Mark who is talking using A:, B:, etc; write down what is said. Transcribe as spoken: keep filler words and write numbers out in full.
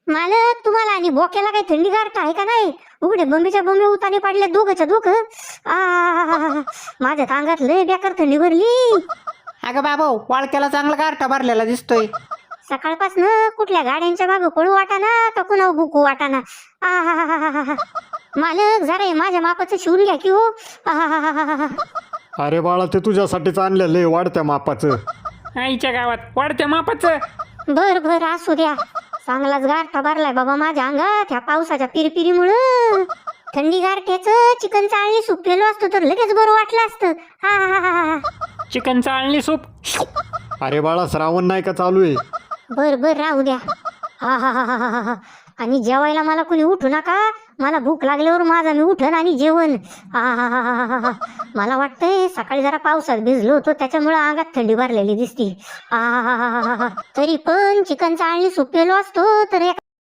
A: मालक तुम्हाला आणि बोक्याला काही थंडी गारठा आहे का नाही? उघडे बंबीच्या बंबे उताने पडले दोघच्या दोघ. आ माझ्या अंगात लय बेकार थंडी भरली.
B: अगं बाबा वाळक्याला चांगला गारठा भरलेला दिसतोय.
A: सकाळपासून कुठल्या गाड्यांच्या मागं पळू वाटाना तर कुणा बुकू वाटाना. आ मालक जरा हे माझ्या मापाचं शिवून घ्या की हो. आहाहाहा.
C: अरे बाळा ते तुझ्यासाठीच आणलेलं आहे वाढत्या मापाचं.
D: आईच्या गावात वाढत्या मापाचं.
A: बर बर असू द्या. चांगलाच गारठा भरलाय बाबा माझ्या अंगात ह्या पावसाच्या पिरपिरीमुळं. थंडी गारठ्याचं चिकन चाळणी सूप केलं असतं तर लगेच बरं वाटलं असतं. हा हा हा हा.
D: चिकन चाळणी सूप.
C: अरे बाळा श्रावण नाही का चालू आहे?
A: बर बर राहू द्या. हा हा हा हा हा. आणि जेवायला मला कोणी उठू नका. मला भूक लागल्यावर माझा मी उठन आणि जेवण. हा हा हा हा हा. मला वाटतंय सकाळी जरा पावसात भिजलो होतो त्याच्यामुळे अंगात थंडी भरलेली दिसती. हा हा हा हा हा. तरी पण चिकन चाळणी सूप केलो असतो तर एक